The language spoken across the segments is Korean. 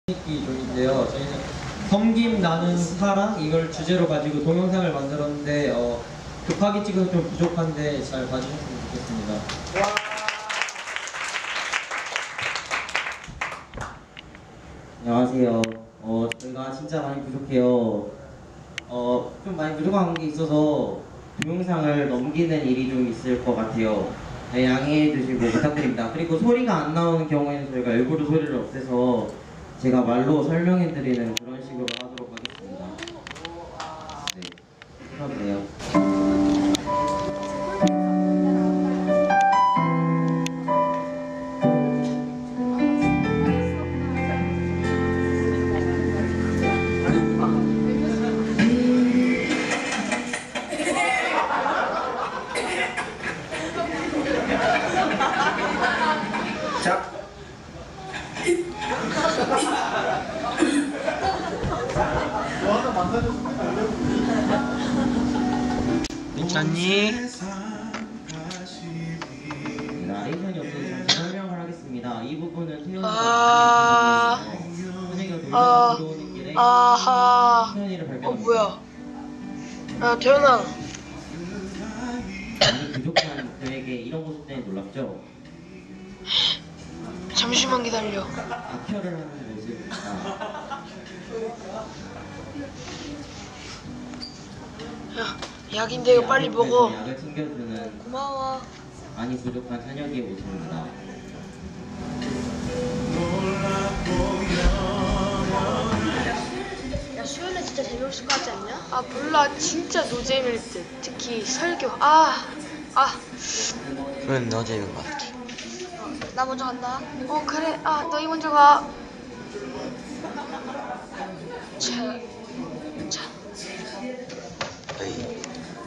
종인데요. 저희는 섬김 나는 사랑 이걸 주제로 가지고 동영상을 만들었는데 급하게 찍어서 좀 부족한데 잘 봐주셨으면 좋겠습니다. 안녕하세요. 저희가 진짜 많이 부족해요. 좀 많이 부족한 게 있어서 동영상을 넘기는 일이 좀 있을 것 같아요. 네, 양해해 주시고 부탁드립니다. 그리고 소리가 안 나오는 경우에는 저희가 일부러 소리를 없애서 제가 말로 설명해 드리는 그런 식으로 하도록 하겠습니다. 네, 그러네요. 자. 괜찮니? 나레이션이 없어서 잠시 설명을 하겠습니다. 이 부분은 태연이가 들어오는 길에 태연이를 발견합니다. 뭐야? 야, 태연아. 많이 부족한 저에게 이런 모습 때문에 놀랍죠? 잠시만 기다려. 악혈을 하는 모습입니다. 야, 약인데 이거 빨리 먹어. 약을 챙겨주는 고마워. 많이 부족한 찬혁이의 모습입니다. 야, 수연이 진짜 재미없을 것 같지 않냐? 아, 몰라. 진짜 노잼일 듯. 특히 설교. 그건 너 재는 것 같아. 나 먼저 간다. 그래. 너희 먼저 가. 자. 어이.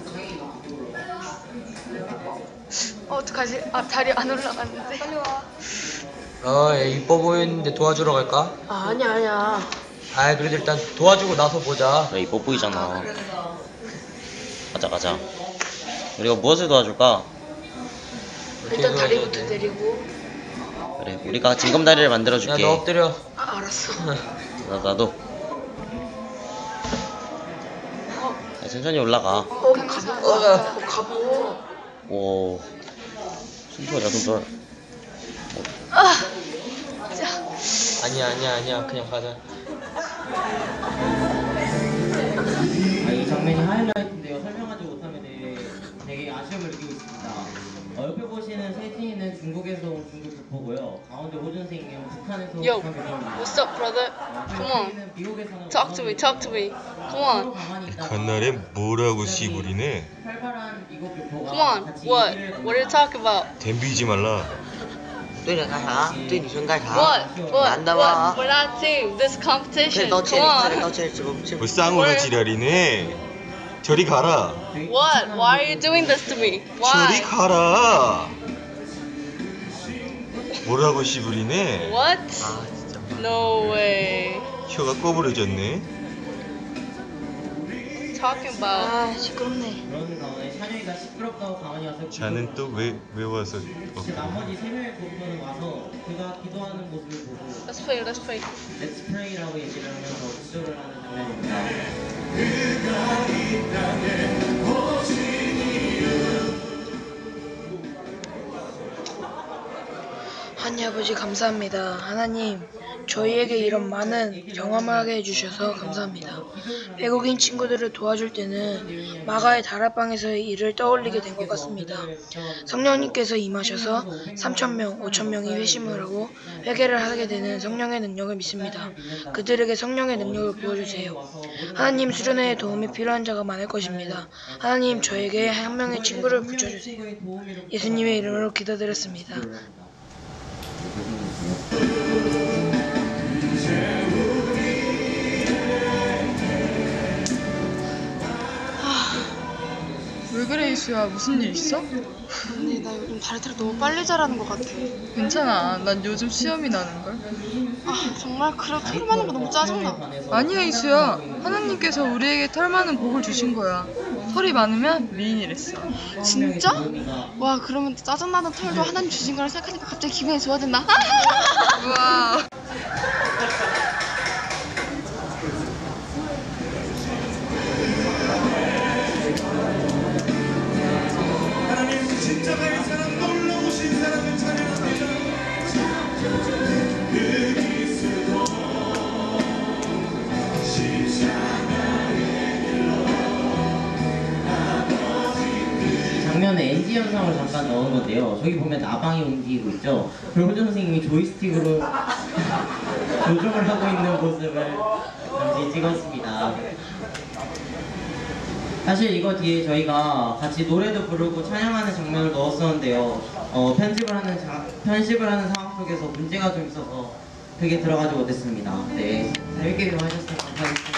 어떡하지? 다리 안 올라갔는데. 빨리 와. 얘 이뻐 보이는데 도와주러 갈까? 아니야. 그래도 일단 도와주고 나서 보자. 그래, 이뻐 보이잖아. 가자. 우리가 무엇을 도와줄까? 일단 다리부터 내리고. 그래, 우리가 징검다리를 야, 만들어줄게. 너 엎드려. 알았어. 나도. 야, 천천히 올라가. 가보. 오, 숨소리야, 숨소리. 아니야. 그냥 가자. 이 장면이 하이라이트인데요. 설명하지 못하면 되게 아쉬움을 느끼고 있습니다. 옆에 보시는 세진이는 중국에서 온 중국 교포고요. 가운데 호준생은 북한에서 온 Yo, 북한 교포입니다. what's up, brother? Come on. 미국에 사는 Talk to me. Come on. 간날에 뭐라고 씨부리네. 활발한 미국 교포가 Come on. 같이 What? 얘기를 What are you talking about? 덤비지 말라. 对着干啥？对女生干啥？ What? 男的吗？ We're not team. This 快 competition. 道歉， Come 快点 on. 道歉，这 뭐 쌍으로 지랄이네. 저리 가라. What? Why are you doing this to me? 저리 Why? 가라. 뭐라고 씨부리네. What? 진짜. No way. 혀가 꺼부러졌네. Talking about. 시끄럽네. 그런 가운데 찬영이가 시끄럽다고 가만히 와서 자는 또 왜 와서 나머지 3명의 교포는 와서 그가 기도하는 모습을 보고 Let's pray. Let's pray라고 얘기를 하면서 기도를 하는 장면입니다. 하나님 아버지 감사합니다. 하나님, 저희에게 이런 많은 경험을 하게 해주셔서 감사합니다. 외국인 친구들을 도와줄 때는 마가의 다락방에서의 일을 떠올리게 된 것 같습니다. 성령님께서 임하셔서 3,000명, 5,000명이 회심을 하고 회개를 하게 되는 성령의 능력을 믿습니다. 그들에게 성령의 능력을 부어주세요. 하나님, 수련회에 도움이 필요한 자가 많을 것입니다. 하나님, 저에게 한 명의 친구를 붙여주세요. 예수님의 이름으로 기도드렸습니다. 왜 그래 이수야? 무슨 일 있어? 근데 나 요즘 다리털이 너무 빨리 자라는 것 같아. 괜찮아. 난 요즘 시험이 나는걸. 정말 그래도 털 많은 거 너무 짜증나. 아니야 이수야. 하나님께서 우리에게 털 많은 복을 주신 거야. 털이 많으면 미인이랬어. 진짜? 와, 그러면 짜증나는 털도 하나님 주신 거라 생각하니까 갑자기 기분이 좋아진다. 우와. 설명을 잠깐 넣은 건데요. 저기 보면 나방이 움직이고 있죠. 그리고 호준 선생님이 조이스틱으로 조종을 하고 있는 모습을 잠시 찍었습니다. 사실 이거 뒤에 저희가 같이 노래도 부르고 찬양하는 장면을 넣었었는데요. 편집을 하는 상황 속에서 문제가 좀 있어서 그게 들어가지 못했습니다. 네, 재밌게 좀 하셨으면 감사하겠습니다.